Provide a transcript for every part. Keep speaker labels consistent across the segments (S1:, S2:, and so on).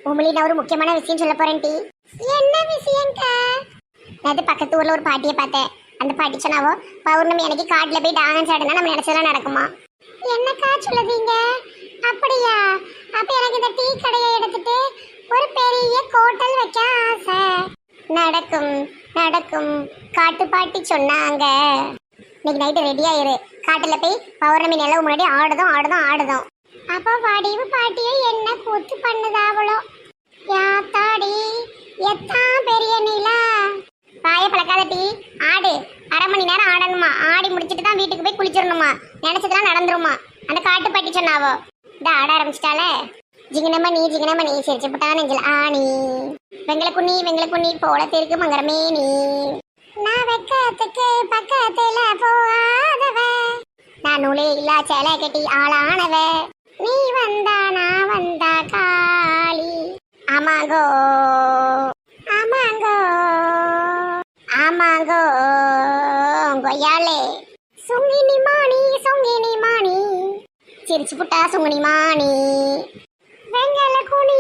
S1: உமிழி நான் ஒரு முக்கியமான விஷயம் சொல்ல போறேன் டி. என்ன விஷயம்க்கா? அது பக்கத்து ஊர்ல ஒரு பாட்டியை பார்த்தேன். அந்த பாட்டி சொன்னாவோ பௌர்ணமி அன்னைக்கு காட்டுல போய் டான்ஸ் ஆடுனா நம்ம நினைச்சதெல்லாம் நடக்குமா. என்னக்கா சொல்லுதீங்க? அப்படியா? அப்ப எனக்கு இந்த டீ கடையை எடுத்துட்டு ஒரு பெரிய ஹோட்டல் வைக்க ஆசை. நடக்கும் நடக்கும், காட்டு பாட்டி சொன்னாங்க. இன்னைக்கு நைட்டு ரெடி ஆயிரு, காட்டுல போய் பௌர்ணமி நிலவு முன்னாடி ஆடுதோம் ஆடுதோம் ஆடுதோம். அப்போ வடிவு பாட்டியை என்ன கூத்து பண்ணுதாவளோ. யாத்தாடி எத்தான் பெரிய நிலா. பாய பழக்காத டீ, ஆடு. அரை மணி நேரம் ஆடணுமா, ஆடி முடிச்சிட்டு தான் வீட்டுக்கு போய் குளிச்சிடணுமா, நினைச்சதெல்லாம் நடந்துருமா. அந்த காட்டு பாட்டி சொன்னாவோ. இந்த ஆட ஆரம்பிச்சிட்டாலே. ஜிங்கனமணி ஜிங்கனமணி சிரிச்சு போட்டா நெஞ்சில் ஆணி. வெங்கல குண்ணி போல தெருக்கு மங்கரமே நீ. நான் வெக்கத்துக்கு பக்கத்துல போகாதவ, நான் நூலே இல்லா சேலை கட்டி ஆளானவ, நீ வந்தா நான் வந்தா காளி. ஆமாங்கோ ஆமாங்கோ ஆமாங்கோ கொய்யாலே. சுங்கினி மாணி சிரிச்சு புட்டா சுங்கினி மாணி. வெங்கல குனி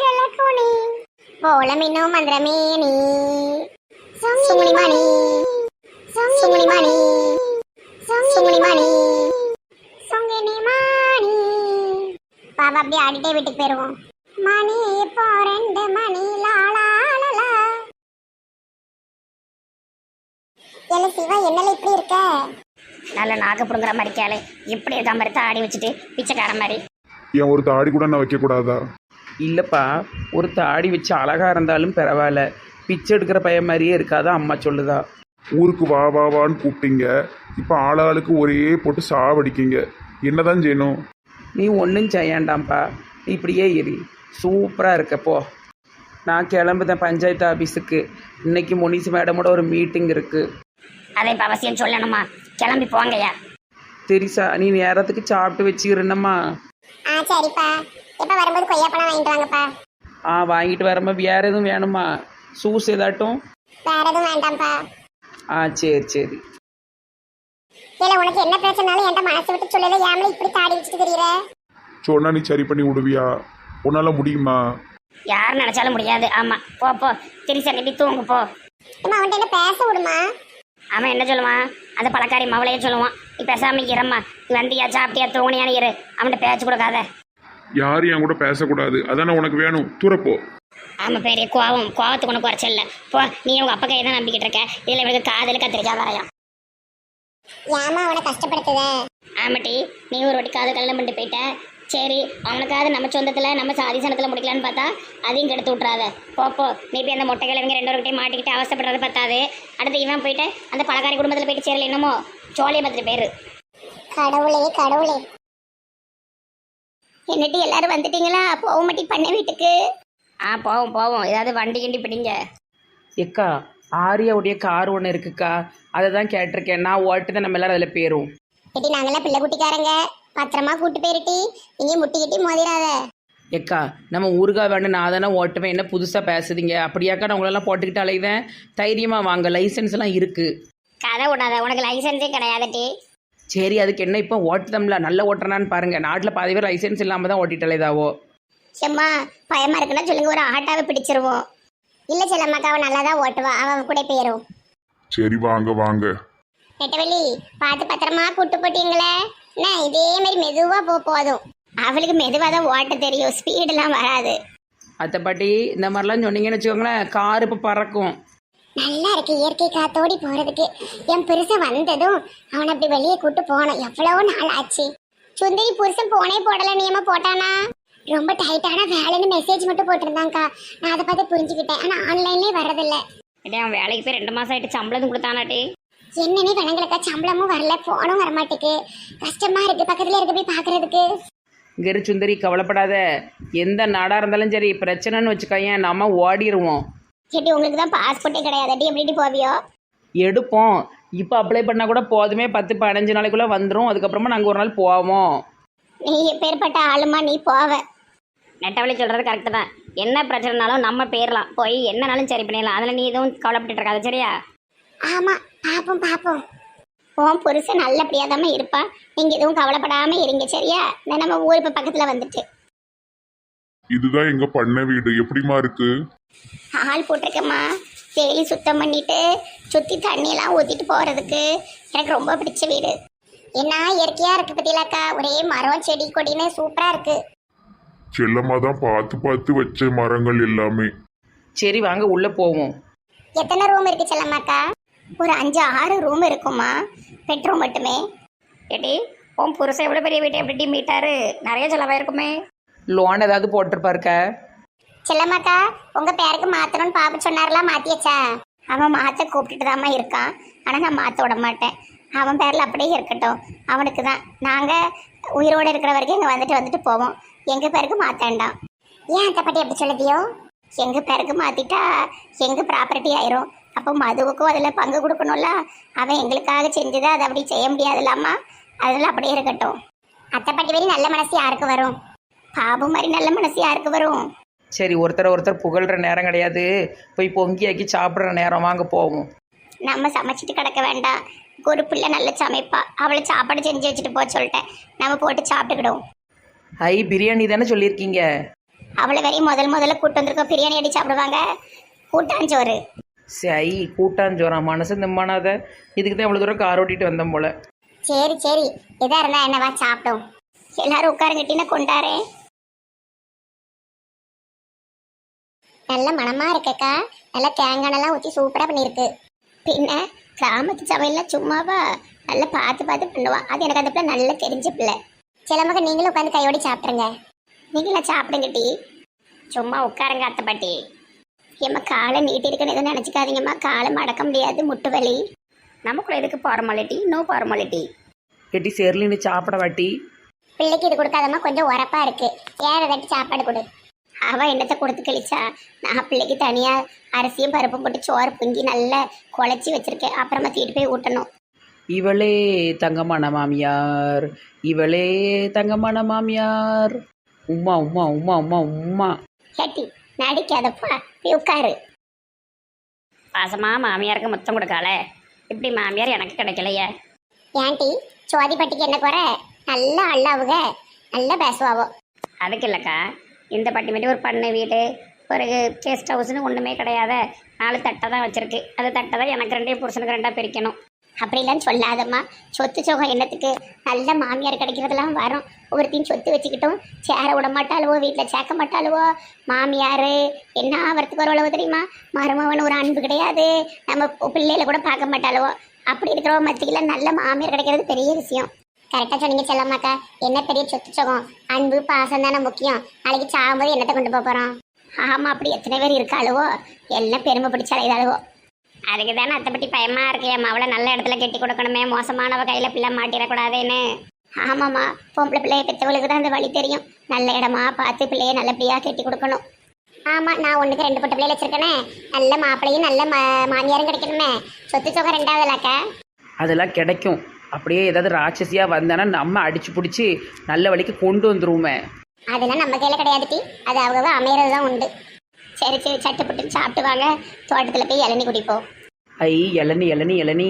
S1: போல மின்னும் மந்திரமேனி. சுங்கினி மாணி சுங்கினி மாணி சுங்கினி மாணி சுங்கினி மாணி. பாபா அப்படியே ஆடிட்டே வீட்டுக்கு போயிருவோம். மணி இப்போ 2 மணி லாலாலா. என்ன சிவா, என்னல இப்படி இருக்க?
S2: நல்ல நாக்கு புடுங்குற மாதிரி கேளு. இப்படி இருக்க மாதிரி தாடி வச்சுட்டு பிச்சைக்கார மாதிரி.
S3: ஏன் ஒரு தாடி கூட நான் வைக்கக்கூடாதா?
S4: இல்லைப்பா, ஒரு தாடி வச்சு அழகாக இருந்தாலும் பரவாயில்ல, பிச்சை எடுக்கிற பையன் மாதிரியே இருக்காதா அம்மா சொல்லுதா.
S3: ஊருக்கு வா வா வான்னு கூப்பிட்டீங்க, இப்போ ஆளாளுக்கு ஒரே போட்டு சாவடிக்கீங்க. என்னதான் செய்யணும்?
S4: நீ ஒன்றும் செய்யாண்டாம்ப்பா, நீ இப்படியே இரு, சூப்பராக இருக்கப்போ. நான் கிளம்புதேன் பஞ்சாயத்து ஆஃபீஸுக்கு. இன்னைக்கு முனிசி மேடமோட ஒரு மீட்டிங் இருக்குது.
S2: அதை இப்போ அவசியம் சொல்லணுமா? கிளம்பி போங்கய்யா.
S4: தெரிசா, நீ நேரத்துக்கு சாப்பிட்டு வச்சுக்கிறேன்னம்மா.
S1: சரிப்பா. எப்ப வரும்போது கொய்யாப்பழம் வாங்கிட்டு வாங்கப்பா.
S4: வாங்கிட்டு வரமா. வேறு எதுவும் வேணுமா? சூஸ் ஏதாட்டும்?
S1: வேற எதுவும் வேண்டாம்ப்பா.
S4: சரி சரி.
S1: இல்ல, உனக்கு என்ன பிரச்சனாலும் என்கிட்ட மனசு விட்டு சொல்லல. ஏமல இப்படி தாடி வச்சுட்டு தெரியற?
S3: சொன்னா நீ சரி பண்ணி விடுவியா? உன்னால முடியுமா?
S2: யார் நினைச்சாலும் முடியாது. ஆமா, போ போ திரிசா, நீ தூங்கு போ.
S1: அம்மா, அவன்கிட்ட என்ன பேச விடுமா?
S2: அவன் என்ன சொல்லுவான்? அந்த பழக்காரி மவளையே சொல்லுவான். நீ பேசாம இரம்மா, நீ வந்தியா சாப்பிட்டியா தூங்கினியான்னு இரு. அவன்கிட்ட பேச்சு கொடுக்காத.
S3: யாரும் என் கூட பேசக்கூடாது, அதானே உனக்கு வேணும். தூரப்போ.
S2: ஆமா, பெரிய கோவத்துக்கு உனக்கு குறைச்சல் இல்லை. போ, நீ உங்க அப்பா கையை தான் நம்பிக்கிட்டு இருக்க. இதுல இவனுக்கு காதல் கத்திரிக்காய் வரையும்.
S1: ஏமா அவனை கஷ்டப்படுத்துத?
S2: ஆமாட்டி, நீ ஒரு வாட்டி காதல் கல்யாணம் பண்ணிட்டு போயிட்ட. சரி, அவனுக்காவது நம்ம சொந்தத்தில் நம்ம சாதி சனத்தில் முடிக்கலான்னு பார்த்தா அதையும் கெடுத்து விட்றாத. போப்போ, நீ போய் அந்த மொட்டை கிழவங்க 2 பேர்கிட்டையும் மாட்டிக்கிட்டு அவசப்படுறது பார்த்தாது. அடுத்து இவன் போயிட்டு அந்த பழக்காரி குடும்பத்தில் போயிட்டு சேரல. என்னமோ சோழியை பத்திரி பேரு.
S1: கடவுளே கடவுளே.
S2: என்னட்டி எல்லாரும் வந்துட்டீங்களா? போக மாட்டி பண்ண வீட்டுக்கு. போவோம். ஏதாவது வண்டி கிண்டி பிடிங்க.
S4: எக்கா, ஆரியாவுடைய கார் ஒன்று இருக்குக்கா, அதை தான் கேட்டிருக்கேன். நான் ஓட்டு நம்ம எல்லாரும் அதில் போயிரும்.
S1: எட்டி, நாங்கெல்லாம் பிள்ளை குட்டிக்காரங்க, பத்திரமா கூட்டு போயிருட்டி. இங்கே முட்டிக்கிட்டி மோதிராத.
S4: எக்கா, நம்ம ஊருகா வேணும், நான் தானே ஓட்டுவேன். என்ன புதுசாக பேசுதீங்க? அப்படியாக்கா, நான் உங்களெல்லாம் போட்டுக்கிட்டு அலையுதேன். தைரியமாக வாங்க, லைசன்ஸ் எல்லாம் இருக்குது.
S2: கதை விடாத, உனக்கு லைசன்ஸே கிடையாதுட்டி.
S4: சரி, அதுக்கு என்ன இப்போ ஓட்டுதம்ல நல்ல ஓட்டுறான்னு பாருங்கள். நாட்டில் பாதி பேர் லைசன்ஸ் இல்லாமல் தான் ஓட்டிட்டு அலைதாவோ.
S1: செம்மா, பயமா இருக்குன்னா சொல்லுங்க, ஒரு ஆட்டாவை பிடிச்சிருவோம். இல்லை செல்லம்மாக்கா, அவன் நல்லா தான் ஓட்டுவா, அவன் கூட போயிரும்.
S3: சரி வாங்க வாங்க.
S1: நெட்டவெளி, பார்த்து பத்திரமா கூட்டு போட்டீங்களே. என்ன இதே மாதிரி மெதுவாக போதும். அவளுக்கு மெதுவாக தான் ஓட்ட தெரியும், ஸ்பீடெல்லாம் வராது.
S4: அத்தை பாட்டி, இந்த மாதிரிலாம் சொன்னீங்கன்னு வச்சுக்கோங்களேன், கார் இப்போ பறக்கும்.
S1: நல்லா இருக்கு இயற்கை காத்தோடி போறதுக்கு. என் புருஷன் வந்ததும் அவனை அப்படி வெளியே கூட்டு போனோம். எவ்வளவு நாள் ஆச்சு. சுந்தரி புருஷன் போனே போடல, நியமா போட்டானா? ரொம்ப டைட்டான வேலைன்னு மெசேஜ் மட்டும் போட்டிருந்தாங்கக்கா. நான் அதை பார்த்து புரிஞ்சுக்கிட்டேன். ஆனால் ஆன்லைன்லேயே வர்றதில்ல.
S2: அவன் வேலைக்கு போய் 2 மாதம் ஆகிட்டு சம்பளம் கொடுத்தானாட்டி.
S1: என்னன்னே கணங்களுக்கா, சம்பளமும் வரல, போனும் வரமாட்டேக்கு. கஷ்டமா இருக்கு பக்கத்துல இருக்க போய் பாக்குறதுக்கு.
S4: இங்கே சுந்தரி, கவலைப்படாத. எந்த நாடாக இருந்தாலும் சரி, பிரச்சனைன்னு வச்சுக்கோயேன், நம்ம ஓடிடுவோம்.
S1: சரி, உங்களுக்கு தான் பாஸ்போர்ட்டே கிடையாது, எப்படி போவியோ?
S4: எடுப்போம். இப்போ அப்ளை பண்ணால் கூட போதுமே, 10-15 நாளைக்குள்ளே வந்துடும். அதுக்கப்புறமா நாங்கள் ஒரு நாள் போவோம்.
S1: நீ எப்பேற்பட்ட ஆளுமா, நீ போவ?
S2: நெட்டவழி சொல்கிறது கரெக்டு தான். என்ன பிரச்சனைனாலும் நம்ம போயிடலாம், போய் என்னனாலும் சரி பண்ணிடலாம். அதில் நீ எதுவும் கவலைப்பட்டு இருக்காது, சரியா?
S1: ஆமா, பாப்போம். உன் புருஷன் நல்லபடியாதாம இருப்பா. நீங்க எதுவும் கவலைப்படாம இருங்க, சரியா? நம்ம ஊர் இப்ப பக்கத்துல வந்துட்டு.
S3: இதுதான் எங்க பண்ண வீடு. எப்படிமா இருக்கு?
S1: ஆள் போட்டிருக்கேம்மா. டெய்லி சுத்தம் பண்ணிட்டு சுற்றி தண்ணியெல்லாம் ஊற்றிட்டு போகிறதுக்கு எனக்கு ரொம்ப பிடிச்ச வீடு. என்ன இயற்கையாக இருக்குது பத்தியிலாக்கா, ஒரே மரம் செடி கொடின்னு சூப்பராக இருக்குது.
S3: செல்லம்மா தான் பார்த்து பார்த்து வச்ச மரங்கள் எல்லாமே.
S4: சரி வாங்க உள்ளே போவோம்.
S1: எத்தனை ரூம் இருக்குது செல்லம்மாக்கா? ஒரு 5-6 ரூம் இருக்குமா, பெட்ரூம் மட்டுமே.
S2: ஏடி உன் புருஷன் எவ்வளோ பெரிய வீட்டை எப்படி மீட்டாரு? நிறைய செலவாயிருக்குமே.
S4: லோன் ஏதாவது போட்டிருப்பாருக்க?
S1: செல்லம்மாக்கா, உங்கள் பேருக்கு மாற்றணும்னு பாப்பா சொன்னார்லாம், மாற்றியாச்சா? அவன் மாற்ற கூப்பிட்டுட்டு தாம்மா இருக்கான், ஆனால் நான் மாற்ற விட மாட்டேன். அவன் பேரில் அப்படியே இருக்கட்டும். அவனுக்கு தான். நாங்கள் உயிரோடு இருக்கிற வரைக்கும் இங்கே வந்துட்டு போவோம். எங்கள் பேருக்கு மாற்ற வேண்டாம். ஏன் அந்த பட்டி எப்படி சொல்லுதியோ? எங்கள் பேருக்கு மாற்றிட்டா எங்கள் ப்ராப்பர்ட்டி ஆயிரும். அப்போ மதுவுக்கும் அதில் பங்கு கொடுக்கணும்ல. அவன் எங்களுக்காக செஞ்சதை அதை அப்படி செய்ய முடியாதுல்லாமா. அதெல்லாம் அப்படியே இருக்கட்டும். அத்தைப்பட்டி வரி நல்ல மனசு யாருக்கு வரும்? பாபு மாதிரி நல்ல மனசு யாருக்கு வரும்?
S4: சரி, ஒருத்தர் புகழ்கிற நேரம் கிடையாது. போய் பொங்கியாக்கி சாப்பிட்ற நேரம், வாங்க போவோம்.
S1: நம்ம சமைச்சிட்டு கிடக்க வேண்டாம். ஒரு பிள்ளை நல்லா சமைப்பா, அவளை சாப்பாடு செஞ்சு வச்சுட்டு போக சொல்லிட்டேன். நம்ம போட்டு சாப்பிட்டுக்கிடுவோம்.
S4: ஐ, பிரியாணி தானே சொல்லியிருக்கீங்க?
S1: அவளை வரையும் முதல்ல கூட்டு வந்திருக்கோம். பிரியாணி அடி சாப்பிடுவாங்க, கூட்டாஞ்சோறு.
S4: சரி, கூட்டாஞ்சோறா? மனசு நிம்மானாத. இதுக்கு தான் இவ்வளோ தூரம் கார் ஓட்டிட்டு வந்தோம் போல.
S1: சரி எதா இருந்தா என்னவா, சாப்பிட்டோம். எல்லாரும் உட்காருங்கட்டின கொண்டாரே. நல்ல மனமா இருக்கக்கா. நல்லா தேங்காயெல்லாம் ஊற்றி சூப்பராக பண்ணியிருக்கு. பின்ன கிராமத்து சமையல்லாம் சும்மாவா, நல்லா பார்த்து பண்ணுவான். அது எனக்கு அந்த பிள்ளை நல்லா தெரிஞ்ச பிள்ளை. சிலமக்க நீங்களும் உட்காந்து கையோடி சாப்பிட்ருங்க. நீங்களும் சாப்பிடுங்கட்டி. சும்மா உட்காருங்க அத்தை பாட்டி. ஏம்மா காலை நீட்டி இருக்குன்னு எதுவும் நினச்சிக்காதீங்கம்மா. காலை மடக்க முடியாது, முட்டு வலி.
S2: நமக்குள்ள எதுக்கு ஃபார்மாலிட்டி? No formality.
S4: கெட்டி சேர்லின்னு சாப்பிட வாட்டி.
S1: பிள்ளைக்கு இது கொடுக்காதம்மா, கொஞ்சம் உரப்பா இருக்கு. ஏற தட்டி சாப்பாடு கொடு. அவ என்னத்தை கொடுத்து கழிச்சா? நான் பிள்ளைக்கு தனியா அரிசியும் பருப்பும் போட்டு சோறு பொங்கி நல்லா குழச்சி வச்சிருக்கேன். அப்புறமா தீட்டு போய் ஊட்டணும்.
S4: இவளே தங்கமான மாமியார், இவளே தங்கமான மாமியார். உம்மா உம்மா உம்மா உம்மா உம்மா.
S1: கேட்டி நடிக்காதப்பா, போய் உட்காரு.
S2: பாசமா மாமியாருக்கு முத்தம் கொடுக்கால. இப்படி மாமியார் எனக்கு கிடைக்கலையே.
S1: ஏன்டி சோதிப்பட்டிக்கு என்ன குறை? நல்லா அல்லாவுக, நல்லா பேசுவாவோ.
S2: அதுக்கு இல்லைக்கா, இந்த பட்டி மட்டும் ஒரு பண்ணை வீடு, ஒரு கெஸ்ட் ஹவுஸ்னு ஒன்றுமே கிடையாத. 4 தட்டை தான் வச்சுருக்கு. அந்த தட்டை தான் எனக்கு 2 புருஷனுக்கு 2 பிரிக்கணும்.
S1: அப்படிலாம் சொல்லாதம்மா. சொத்து சோகம் என்னத்துக்கு? நல்ல மாமியார் கிடைக்கிறதெல்லாம் வரும். ஒவ்வொருத்தையும் சொத்து வச்சுக்கிட்டும் சேர விட மாட்டாளுவோ, வீட்டில் சேர்க்க மாட்டாளுவோ. மாமியார் என்ன ஆகிறதுக்கு ஒரு உழவு தெரியுமா? மருமவன் ஒரு அன்பு கிடையாது. நம்ம பிள்ளைகளை கூட பார்க்க மாட்டாளுவோ. அப்படி இருக்கிறவங்க மத்தியில் நல்ல மாமியார் கிடைக்கிறது பெரிய விஷயம். கரெக்டாக சொன்னீங்க செல்லம்மாக்கா. என்ன பெரிய சொத்து சோகம்? அன்பு பாசம் தானே முக்கியம். நாளைக்கு சாகும்போது என்னத்தை கொண்டு போகிறோம்? ஆமாம், அப்படி எத்தனை பேர் இருக்காளுவோ, எல்லாம் பெருமை பிடிச்ச அலைதாளுவோ.
S2: அதுக்கு தானே அத்தை பற்றி பயமா இருக்கு. என் அவளை நல்ல இடத்துல கட்டி கொடுக்கணுமே, மோசமானவ கையில் பிள்ளை மாட்டிடக்கூடாதுன்னு.
S1: ஆமாம்மா, பொம்பளை பிள்ளைய பெற்றவளுக்கு தான் அந்த வழி தெரியும். நல்ல இடமா பார்த்து பிள்ளைய நல்லபடியாக கட்டி கொடுக்கணும். ஆமாம், நான் 1க்கு 2 பொட்ட பிள்ளைகள் வச்சிருக்கேனே. நல்ல மாப்பிள்ளையும் நல்ல மாமியாரும் கிடைக்கணுமே. சொத்து சோகம் 2வதுலாக்கா.
S4: அதெல்லாம் கிடைக்கும். அப்படியே ஏதாவது ராட்சசியாக வந்தானா நம்ம அடிச்சு பிடிச்சி நல்ல வழிக்கு கொண்டு வந்துருவோமே.
S1: அதெல்லாம் நம்ம கையில் கிடையாது டி. அது அவங்க அமையறது தான் உண்டு. சரி சட்டு புட்டு சாப்பிட்டு வாங்க. தோட்டத்தில் போய் இளநீ குடிப்போம்.
S4: ஐ, இளநீ இளநீ இளநீ.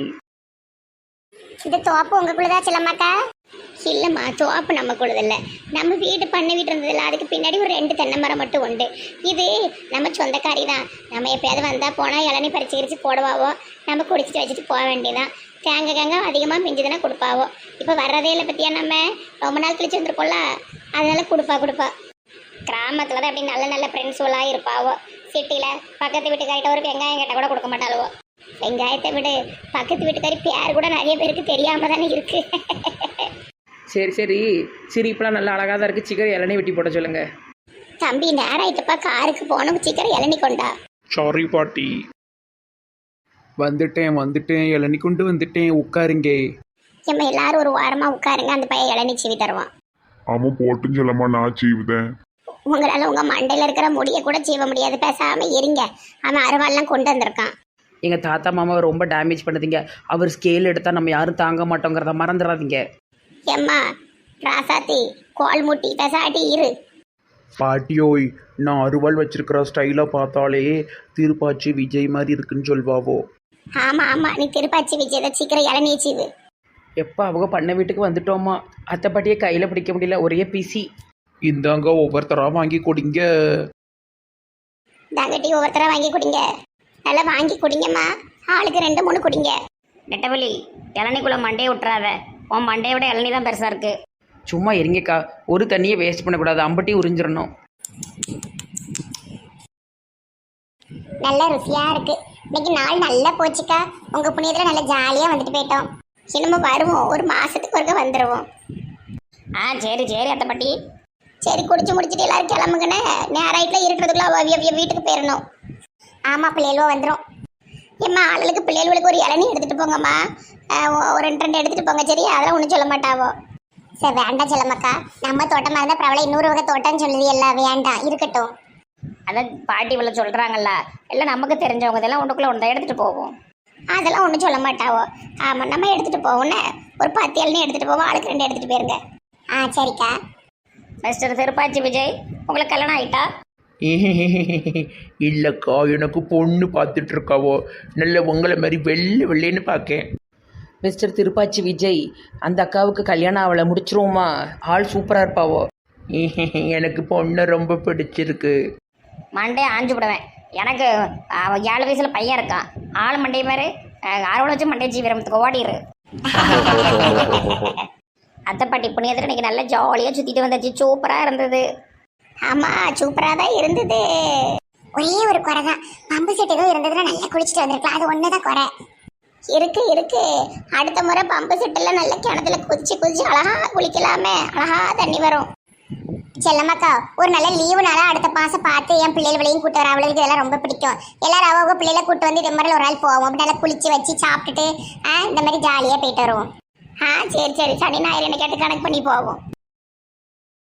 S1: இந்த தோப்பு உங்களுக்குள்ளதா செல்லம்மாக்கா? இல்லைம்மா, தோப்பு நம்ம கூடதில்லை. நம்ம வீடு பண்ண வீட்டு இருந்ததில்ல. அதுக்கு பின்னாடி ஒரு 2 தென்னை மரம் மட்டும் உண்டு. இது நம்ம சொந்தக்காரி தான். நம்ம எப்பயாவது வந்தால் போனால் இளநீ பறிச்சு கிரிச்சு போடுவாவோ. நம்ம குடிச்சிட்டு வச்சுட்டு போக வேண்டியதான். தேங்காய் அதிகமாக மிஞ்சுதுன்னா கொடுப்பாவோ. இப்போ வர்றதே இல்லை பற்றியா, நம்ம ரொம்ப நாள் கழிச்சு வந்துருக்கோம்ல, அதனால கொடுப்பா. கிராமத்தில் தான் அப்படி நல்ல ஃப்ரெண்ட்ஸுலாம் இருப்பாவோ. சிட்டியில் பக்கத்து வீட்டுக்காரிட்ட ஒரு வெங்காயம் கேட்டால் கூட கொடுக்க மாட்டாளுவோ. வெங்காயத்தை விடு, பக்கத்து வீட்டுக்காரி பேர் கூட நிறைய பேருக்கு தெரியாமல் தானே இருக்கு.
S4: சரி சிரிப்பெலாம் நல்லா அழகாக தான் இருக்குது. சீக்கிரம் இளநீ வெட்டி போட சொல்லுங்க.
S1: தம்பி நேரம் ஆயிட்டுப்பா, காருக்கு போகணும். சீக்கிரம் இளநீ கொண்டா.
S3: சாரி பாட்டி.
S4: வந்துட்டேன் இளநீ கொண்டு வந்துட்டேன். உட்காருங்க.
S1: நம்ம எல்லாரும் ஒரு வாரமாக உட்காருங்க. அந்த பையன் இளநீ சீவி தருவான்.
S3: ஆமாம் போட்டுன்னு செல்லம்மா, நான் செய்வேன்.
S1: உங்களால் உங்கள் மண்டையில் இருக்கிற முடியை கூட சீவ முடியாது. பேசாமல் இருங்க. அவன் அருவாள்லாம் கொண்டு வந்திருக்கான்.
S4: எங்கள் தாத்தா மாமாவை ரொம்ப டேமேஜ் பண்ணுதீங்க. அவர் ஸ்கேல் எடுத்தால் நம்ம யாரும் தாங்க மாட்டோங்கிறத மறந்துடாதீங்க.
S1: எம்மா ராசாத்தி கோல் முட்டி பேசாட்டி இரு.
S5: பாட்டியோய், நான் அருவாள் வச்சிருக்கிற ஸ்டைலாக பார்த்தாலே திருப்பாச்சி விஜய் மாதிரி இருக்குன்னு சொல்வாவோ.
S1: ஆமாம், நீ திருப்பாச்சி விஜயதை சீக்கிரம் இளநீ சீவு.
S4: எப்போ அவங்க பண்ண வீட்டுக்கு வந்துட்டோமா, அத்தை பாட்டியை கையில் பிடிக்க முடியல, ஒரே பிசி.
S5: இந்தாங்க ஒவ்வொருத்தராக வாங்கி கொடுங்க.
S1: தாங்கட்டி ஒவ்வொருத்தரா வாங்கி குடிங்க, நல்லா வாங்கி குடிங்கம்மா. ஆளுக்கு 2-3 குடிங்க.
S2: நெட்டவழி இளநிக்குள்ள மண்டையை விட்டுறாத. உன் மண்டையை விட இளநீ தான் பெருசாக இருக்குது.
S4: சும்மா இருங்கக்கா, ஒரு தண்ணியை வேஸ்ட் பண்ணக்கூடாது, அம்பட்டி உறிஞ்சிடணும்.
S1: நல்ல ருசியா இருக்கு. இன்னைக்கு நாள் நல்லா போச்சுக்கா. உங்க புண்ணியத்துல நல்லா ஜாலியா வந்துட்டு போயிட்டோம். இன்னமும் வருவோம், ஒரு மாசத்துக்கு ஒருக்க வந்துடுவோம்.
S2: சரி சரி அத்தை பாட்டி.
S1: சரி, குடிச்சு முடிச்சுட்டு எல்லாரும் கிளம்புங்கன்னு நேராயிட்டுல இருக்கிறதுக்குள்ள அவிய வீட்டுக்கு போயிடணும். ஆமா, பிள்ளைகளுவோ வந்துடும். ஏம்மா, ஆளுக்கு பிள்ளைகளுக்கு ஒரு இளநீ எடுத்துட்டு போங்கம்மா. ஒரு 2 எடுத்துட்டு போங்க. சரி, அதெல்லாம் ஒன்றும் சொல்ல மாட்டாவோ. சரி, வேண்டாம் செல்லம்மாக்கா. நம்ம தோட்டமா இருந்தா பிரபல இன்னொரு வகை தோட்டம்னு சொல்லுது. எல்லாம் வேண்டாம், இருக்கட்டும்.
S2: அதான் பாட்டி இவ்வளோ சொல்கிறாங்கல்ல, எல்லாம் நமக்கு தெரிஞ்சவங்க, இதெல்லாம் ஒன்றுக்குள்ளே ஒன்று எடுத்துகிட்டு போவோம்.
S1: அதெல்லாம் ஒன்றும் சொல்ல மாட்டாவோ. ஆமாம், நம்ம எடுத்துட்டு போவோம்னு ஒரு 10 இளநீ எடுத்துட்டு போவோம். ஆளுக்கு 2 எடுத்துட்டு போயிருங்க. சரிக்கா.
S2: மிஸ்டர் திருப்பாச்சி விஜய், உங்களுக்கு கல்யாணம் ஆயிட்டா?
S5: இல்லைக்கா, எனக்கு பொண்ணு பார்த்துட்டு இருக்காவோ. நல்ல உங்களை மாதிரி வெள்ளை வெள்ளைன்னு பார்க்கேன்.
S4: மிஸ்டர் திருப்பாச்சி விஜய், அந்த அக்காவுக்கு கல்யாணம் அவளை முடிச்சிருவோமா? ஆள் சூப்பராக இருப்பாவோ.
S5: எனக்கு பொண்ணை ரொம்ப பிடிச்சிருக்கு.
S2: மண்டையை ஆஞ்சு விடுவேன். எனக்கு 7 வயசில் பையன் இருக்கான். ஆள் மண்டையை மாதிரி அறுவடை வச்சு மண்டையை ஜீவிரமத்துக்கு ஓடிடு. அத்தை பாட்டி புண்ணியத்தில் இன்னைக்கு நல்லா ஜாலியாக சுற்றிட்டு வந்தாச்சு. சூப்பராக இருந்தது.
S1: ஆமா, சூப்பரா தான் இருந்தது. ஒரே ஒரு குறை தான், பம்பு செட் ஏதோ இருந்ததுன்னா நல்லா குளிச்சுட்டு வந்திருக்கலாம். அது ஒண்ணுதான் குறை. இருக்கு. அடுத்த முறை பம்பு செட்டில் நல்ல கிணத்துல குதிச்சு அழகா குளிக்கலாமே. அழகா தண்ணி வரும். செல்லம்மாக்கா, ஒரு நல்ல லீவுனால அடுத்த மாசம் பார்த்து என் பிள்ளைகளையும் கூட்டு வர. அவளுக்கு இதெல்லாம் ரொம்ப பிடிக்கும். எல்லாரும் அவங்க பிள்ளைகளை கூட்டு வந்து இது மாதிரி ஒரு நாள் போவோம். அப்படி நல்லா குளிச்சு வச்சு சாப்பிட்டுட்டு இந்த மாதிரி ஜாலியா போயிட்டு வருவோம். சரி, சனி ஞாயிறு என்ன கேட்டு கணக்கு பண்ணி போவோம்.